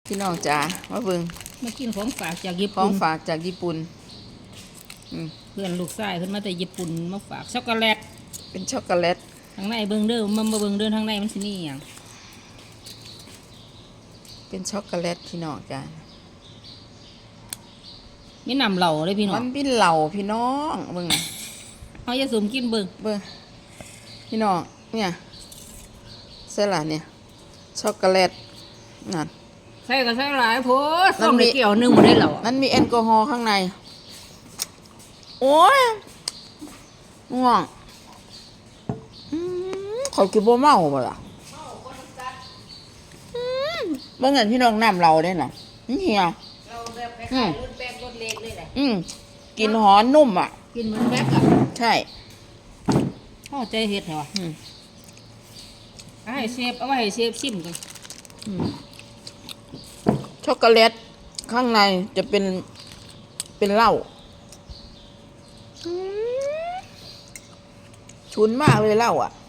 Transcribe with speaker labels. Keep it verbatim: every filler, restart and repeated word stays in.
Speaker 1: พี่น้องจ๋ามาเบิ่ง
Speaker 2: มากินของฝากจากญี่
Speaker 1: ของ
Speaker 2: ปุ่น
Speaker 1: ฝากจากญี่ปุ่น
Speaker 2: เพื่อนลูกชายเพิ่นมาแต่ญี่ปุ่นมาฝากช็อกโกแลต
Speaker 1: เป็นช็อกโกแลต
Speaker 2: ทางในเบิ่งเด้อมันมาเบิ่งเด้อทางในมันสิมีหยัง
Speaker 1: เป็นช็อกโกแลตพี่น้องจ๋า
Speaker 2: มีน้ำเหล้าเลยพี่น้อง
Speaker 1: มันเป็นเหล่าพี่น้องเบิ่ง
Speaker 2: เฮาอย่าสุ่มกินเบิ่ง
Speaker 1: เบิ่งพี่น้องเนี่ยเสร็จละเนี่ยช็อกโกแลตนั่น
Speaker 2: ใส่ก็ใส่หลายโพดส้มได้เกี่ยวนึงบ่ได้เหล้า
Speaker 1: มันมีแอลกอฮอล์ข้างในโอ้ยง่วงเขากินบ่เมาบ่ล่ะบ่เงินพี่น้องน้ำเราได้น่ะนี่เหี่ยว
Speaker 2: เราแบบคล้ายๆรสแป้งรสเล็กเลยแหละ
Speaker 1: อืมกินหอมนุ่มอ่ะ
Speaker 2: กินเหมือนแบกอ่ะ
Speaker 1: ใช่
Speaker 2: พ่อใจเฮ็ดเหรออืมเอาให้เชฟเอาไว้ให้เชฟชิมกัน
Speaker 1: ช็อกโกแลตข้างในจะเป็นเป็นเหล้าชุนมากเลยเหล้าอ่ะ